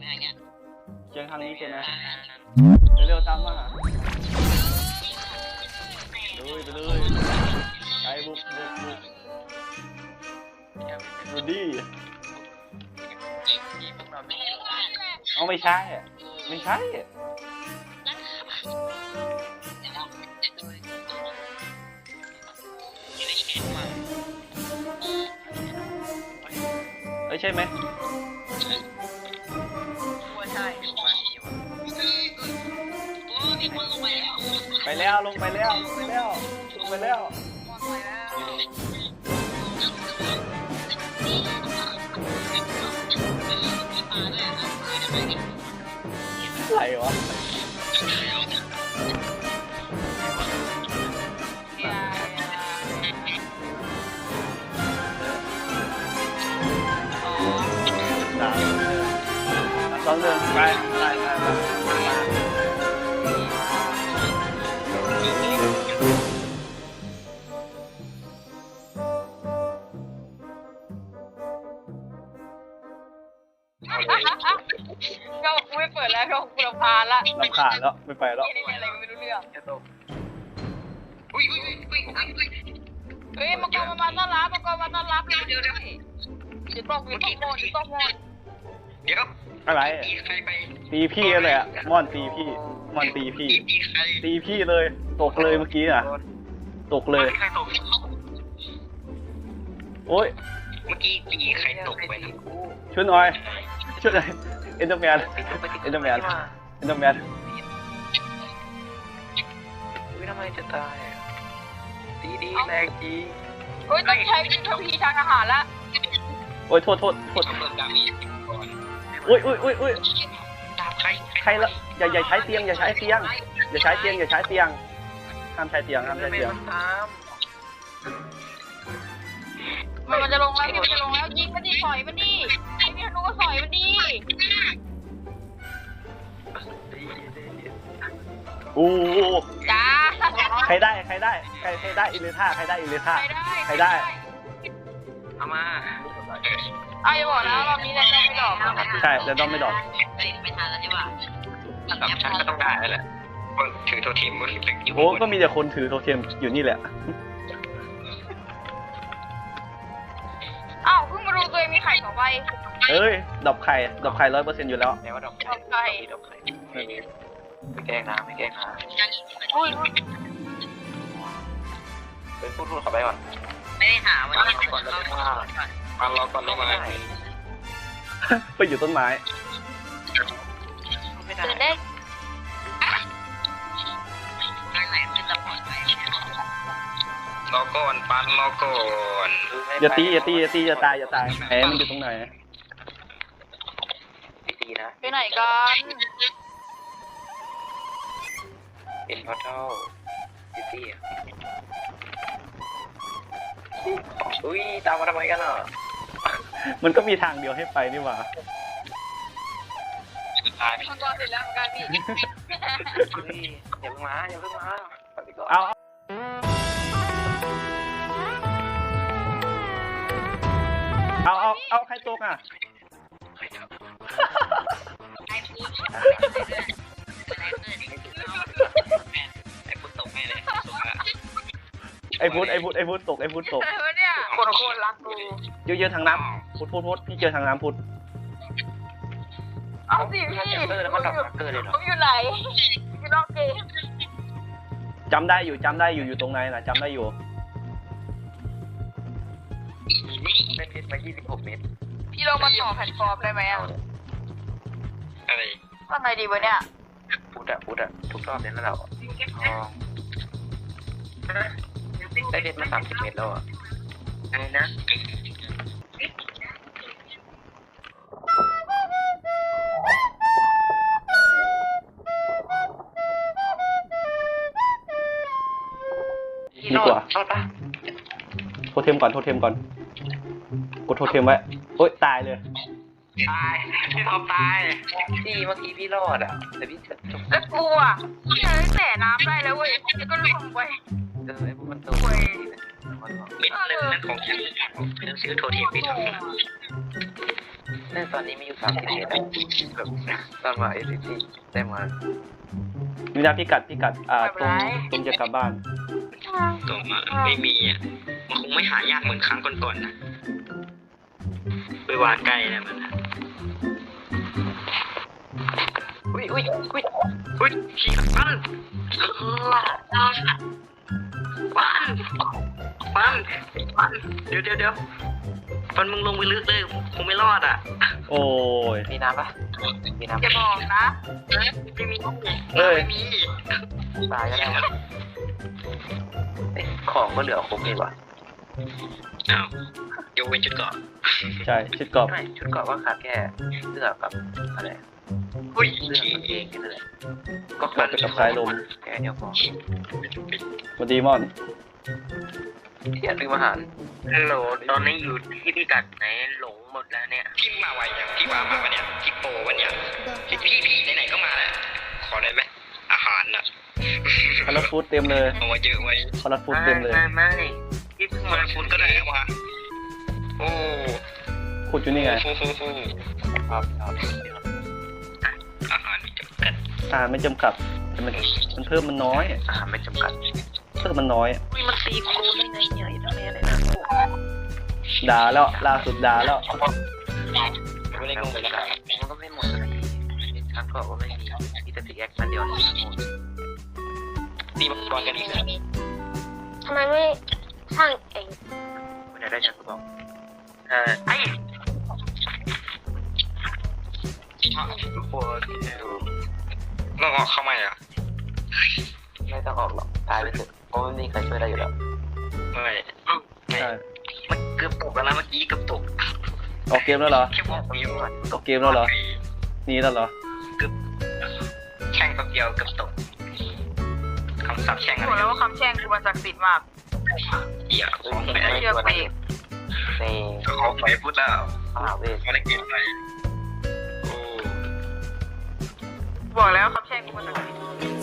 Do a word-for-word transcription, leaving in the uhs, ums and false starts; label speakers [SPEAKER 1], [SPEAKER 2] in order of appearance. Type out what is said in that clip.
[SPEAKER 1] เชียงทางนี้ใช่ไหมเร็วๆตามมาเลยไปเลยไกบุกบุกบุกดูดิเอาไม่ใช่ไม่ใช่เอ้ยใช่ไหมไปแล้วลงไปแล้วลงไปแล้วลงไปแล้วอะไรวะสองเดือนไปไปไปไป
[SPEAKER 2] ก็ไม่เปิดแล้วก็กูรำคาญละ
[SPEAKER 1] รำคาญแล้วไม่ไปแล้ว
[SPEAKER 2] นี่อะไรไม่รู้เรื่อง
[SPEAKER 3] อุ้ยอุ้ยอุ้ยอุ้ยอุ้ย
[SPEAKER 2] เฮ้ยมังกรมาต้อนรับมังกรมาต้อนรับเดี๋ยวเดี๋ยวเดี๋ยวจะตกจะตกโมจะตกโม
[SPEAKER 3] เดี๋ยว
[SPEAKER 1] อะไร
[SPEAKER 3] ตีใครไป
[SPEAKER 1] ตีพี่เลยอะม่อนตีพี่ม่อนตีพี่
[SPEAKER 3] ตีใคร
[SPEAKER 1] ตีพี่เลยตกเลยเมื่อกี้อ่ะตกเลย
[SPEAKER 3] ใครตก
[SPEAKER 1] โอ้ย
[SPEAKER 3] เมื่อกี้ตีใครตกไปนะ
[SPEAKER 1] ช่วยหน่อยช่วยหน่อยเอ็นเดอร์แมนเอ็นเดอร์แมนเอ็นเดอร์แมน
[SPEAKER 3] อุ้ยทำไมจะตายตีดีแรงจริง
[SPEAKER 2] เฮ้ยต้องใช้วิธีทางอาหารละ
[SPEAKER 1] โอ้ยโทษโทษโทษ
[SPEAKER 3] ต้องเปิดดามีก่อน
[SPEAKER 1] อุ้ยอุ้ยอุ้ยอุ้ย
[SPEAKER 3] ดาบใคร
[SPEAKER 1] ใครละอย่าอย่าใช้เตียงอย่าใช้เตียงอย่าใช้เตียงอย่าใช้เตียงห้ามใช้เตียงห้ามใช้เตียง
[SPEAKER 3] ตาม
[SPEAKER 2] มันมันจะลงแล้วพี่มันจะลงแล้วยิงมันดิสอยมันดิไอ้พี่ธนูก็สอยมันดิ
[SPEAKER 1] โอ้
[SPEAKER 2] จ้า
[SPEAKER 1] ใครได้ใครได้ใครใครได้อิเลท่าใครได้อิเลท่า
[SPEAKER 2] ใครได้
[SPEAKER 1] ใครได้
[SPEAKER 3] เอามา
[SPEAKER 2] เอาอย่าบอกนะรอบนี้แรงไม่ดอก
[SPEAKER 1] ใช่แต่ต้องไม่ดอก
[SPEAKER 2] ไม่ทันแล้วใช่ป่ะ
[SPEAKER 3] สามชั้นก็ต้องได้แหละคนถือโททีมก็ถืออยู่
[SPEAKER 1] โอ้ก็มีแต่คนถือโทเทมอยู่นี่แหละ
[SPEAKER 2] อ้าวเพิ่งมารู้ตัวเองมีไข่สองใบ
[SPEAKER 1] เอ้ยดอกไข่ดอกไข่ร้อยเปอร์เซ็นต์อยู่แล้ว
[SPEAKER 3] แต่ว่าดอกไข่ดอกไข่ไม่แกล้งนะไม่แกล้งนะ
[SPEAKER 2] อุ้ย
[SPEAKER 3] เป็นพูดพูดเข้าไปก่อน
[SPEAKER 2] ไม่ได้หาวัน
[SPEAKER 3] ฟัง
[SPEAKER 2] นี้
[SPEAKER 3] ก่อนแล้วว่าฟังรอก่อนได้ไหม
[SPEAKER 1] ไปอยู่ต้นไม้
[SPEAKER 3] ไม่ได้
[SPEAKER 2] ตื่นเด้งทางไหนเป็นระเบิดไป
[SPEAKER 3] รอก่อนปันรอก่อน
[SPEAKER 1] อย่าตีอย่าตีอย่าตีอย่าตายอย่าตายแผลมันอยู่ตรงไหน
[SPEAKER 3] ตีนะ
[SPEAKER 2] ไปไหนกัน
[SPEAKER 3] เป็นพอเท่าตีอ่ะอุ้ยตามมาทำไมกันอ่ะ
[SPEAKER 1] มันก็มีทางเดียวให้ไปนี่หว่า
[SPEAKER 3] ตาย
[SPEAKER 2] มังกรเสร็จแล้วเหมือนกันพี่
[SPEAKER 3] อุ้ยอย่าเพิ่งมาอย่าเพิ่งมา
[SPEAKER 1] เอาเอาเอาเอาใครตกอ่ะ
[SPEAKER 3] ไอ้พุทธตกแม่เลยตกอ่ะ
[SPEAKER 1] ไอ้พุทธไอ้พุทธไอ้พุทธตกไอ้พุทธตก
[SPEAKER 2] อะไรวะเนี่ยคนโคตรรักกู
[SPEAKER 1] เยอะๆทางน้ำพุทธพุทธพุทธพี่เจอทางน้ำพุทธ
[SPEAKER 2] เอาสิพี่
[SPEAKER 3] เออแล้วมันดอกเกิดเลยเหรอ
[SPEAKER 2] ผมอยู่ไหนอยู่นอกเกม
[SPEAKER 1] จำได้อยู่จำได้อยู่อยู่ตรงไหนนะจำได้อยู่
[SPEAKER 3] ได้เพชรมายี่สิบหกเมตร
[SPEAKER 2] พี่ลงมาต่อแพลตฟอร์มได้ไหมอ่ะ
[SPEAKER 3] อะไร
[SPEAKER 2] ว่าไงดีวะเนี่ย
[SPEAKER 3] พุทธอ่ะพุทธอ่ะทุกรอบเนี่ยแล้วเราอ๋อได้เพชรมาสามสิบเมตรแล้วอ่ะอะไรนะ
[SPEAKER 1] ดีกว่า
[SPEAKER 3] รอดปะ
[SPEAKER 1] โทเทมก่อนโทเทมก่อนกดโทเทมไว้โอ๊ยตายเลย
[SPEAKER 3] ตายพี่ท็อปตายพี่เมื่อกี้พี่รอดอ่ะแต่พี่จะจบ
[SPEAKER 2] แล้วกูอ่ะพี่เลยแต่น้ำได้แล้วเว้ยแล้วก็ลงไป
[SPEAKER 3] เออไอ้พวกมันตัว
[SPEAKER 2] เว้ย
[SPEAKER 3] เป็นเรื่องของฉันหนังสือโทรทีมพี่ท็อปในตอนนี้มีอยู่สามสิบเอ็ดแบบตอนมาเอซิตี้ได้มา
[SPEAKER 1] มีนาพิกัดพิกัดอ่าตรงตรงจะกลับบ้าน
[SPEAKER 4] ตัวมาไม่มีอ่ะมันคงไม่หายากเหมือนครั้งก่อนๆนะไปวางไกลนะมันอุ้ยอุ้ยอุ้ยอุ้ยขี้ฟันฟันฟันฟันเดี๋ยวเดี๋ยวเดี๋ยวฟันมึงลงไปลึกเลยคงไม่รอดอ่ะ
[SPEAKER 1] โอ้ย
[SPEAKER 3] มีน้ำปะมีน้ำ
[SPEAKER 2] จะบอกนะ
[SPEAKER 4] ไม่มี
[SPEAKER 1] เอ้ย
[SPEAKER 4] ไม่มี
[SPEAKER 3] ตายก็ได้ของก็เหลือครบเลยว่ะ
[SPEAKER 4] อ้าวยกเว้นชุดเกาะ
[SPEAKER 1] ใช่ชุดกรอบ
[SPEAKER 3] ไม่ชุดเกาะว่าขาดแค่เสื้อกับอะไร
[SPEAKER 4] อุ้ย
[SPEAKER 3] เสื้อ
[SPEAKER 4] ขี้
[SPEAKER 3] กางเกงแค่นั้นแหละ
[SPEAKER 1] ก็กลับไปกับสายลม
[SPEAKER 3] แค่เดียวพอ
[SPEAKER 1] สวัสดีมอน
[SPEAKER 3] ที่อยากซื้ออาหาร
[SPEAKER 4] ฮัลโหลตอนนี้อยู่ที่พิกัดไหนหลงหมดแล้วเนี่ยพี่มาไวยังพี่ว่ามาปะเนี่ยพี่โปวันเนี่ยพี่พี่พี่ไหนๆก็มาแล้วขอได้ไหมอาหารน่ะ
[SPEAKER 1] คาราฟูดเต็มเลย
[SPEAKER 4] เอามาเยอะไว้
[SPEAKER 1] คาราฟูดเต็มเลย
[SPEAKER 4] ไม่ไม่พี่เพิ่งมาคุณก็ได้มาโอ้
[SPEAKER 1] ขุดอยู่นี่ไง
[SPEAKER 4] ฟูฟูฟู
[SPEAKER 3] ครับครับ
[SPEAKER 4] อาหารมีจำกัด
[SPEAKER 1] อ่าไม่จำกัดแต่มันมันเพิ่มมันน้อย
[SPEAKER 3] อาหารไม่จำกัด
[SPEAKER 1] เพิ่มมันน้อย
[SPEAKER 4] อุ้ยมันตีครูได้ไงเนี่ยไอ้ทำไมอะไรนะ
[SPEAKER 1] ด่าแล้วล่าสุดด่าแล้ว
[SPEAKER 4] ไม่ได้งงเลยนะ
[SPEAKER 3] มันก็ไม่หมดสักทีชั้นเกาะก็ไม่มีมีแต่ติ๊กแอคมันเดียวนี่หมด
[SPEAKER 4] ตีมังกรกันอีกแล้ว
[SPEAKER 2] ทำไมไม่สร้างเอง
[SPEAKER 3] ไม่ได้ได้ชั้นก็บอก
[SPEAKER 4] เออไอ้
[SPEAKER 3] ทุกคนดู
[SPEAKER 4] ต้องออกเข้ามาเหรอ
[SPEAKER 3] ไม่ต้องออกหรอกตายไปเถอะเพราะไม่มีใครช่วยได้อยู่แล้ว
[SPEAKER 4] ไม่
[SPEAKER 1] ใช่
[SPEAKER 4] มันเกือบตกแล้วนะเมื่อกี้เกือบตก
[SPEAKER 1] ออกเกมแล้วเหรอ
[SPEAKER 4] แค่บอกวิว
[SPEAKER 1] ออกเกมแล้วเหรอหนี่แล้วเหรอ
[SPEAKER 4] แข่งแป๊บเดียวเกือบตกคำศัพท์แข่ง
[SPEAKER 2] บ
[SPEAKER 4] อะ
[SPEAKER 2] อก
[SPEAKER 4] ไร
[SPEAKER 2] แล้วว่าคำแช่งคือมันศักดิ์สิทธิ์มาก
[SPEAKER 4] เหี้ยของไป
[SPEAKER 2] เชื่อไปเอง
[SPEAKER 3] ใน
[SPEAKER 4] ของไปพูดแล้ว
[SPEAKER 3] มหาเวท
[SPEAKER 4] ไม่ได้เก็บไปโอ้
[SPEAKER 2] บอกแล้วคำแช่งคือมันศักดิ์สิทธิ์